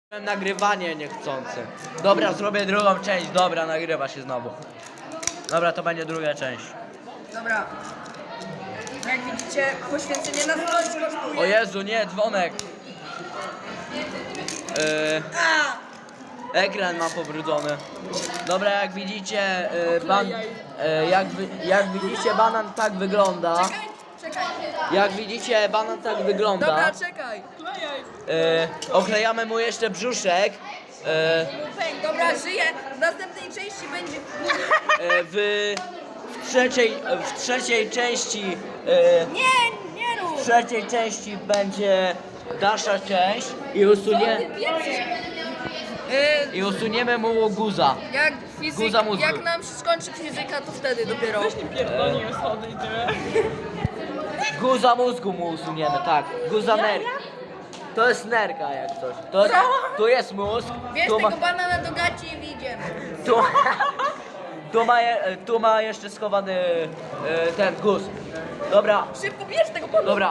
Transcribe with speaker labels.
Speaker 1: Nagrywanie niechcące. Dobra, zrobię drugą część. Dobra, nagrywa się znowu. Dobra, to będzie druga część.
Speaker 2: Dobra. Jak widzicie, poświęcenie na coś kosztuje.
Speaker 1: O Jezu, nie, dzwonek. Ekran mam pobrudzony. Dobra, jak widzicie, jak widzicie, banan tak wygląda.
Speaker 2: Czekaj.
Speaker 1: Jak widzicie, banan tak wygląda.
Speaker 2: Dobra, czekaj.
Speaker 1: Oklejamy mu jeszcze brzuszek.
Speaker 2: Dobra, żyję. W następnej części będzie...
Speaker 1: W trzeciej części
Speaker 2: Nie rób.
Speaker 1: w trzeciej części będzie dalsza część i usuniemy mu guza.
Speaker 2: Jak
Speaker 1: Guza mózgu.
Speaker 2: jak nam się skończy fizyka, to wtedy dopiero.
Speaker 1: Guza mózgu mu usuniemy, tak. Guza nerka. To jest nerka jak coś. Tu jest mózg.
Speaker 2: Bierz
Speaker 1: Tu ma,
Speaker 2: tego banana do gaci i wyjdziemy.
Speaker 1: tu ma jeszcze schowany ten guz. Dobra,
Speaker 2: Szybko bierz tego banana.
Speaker 1: dobra.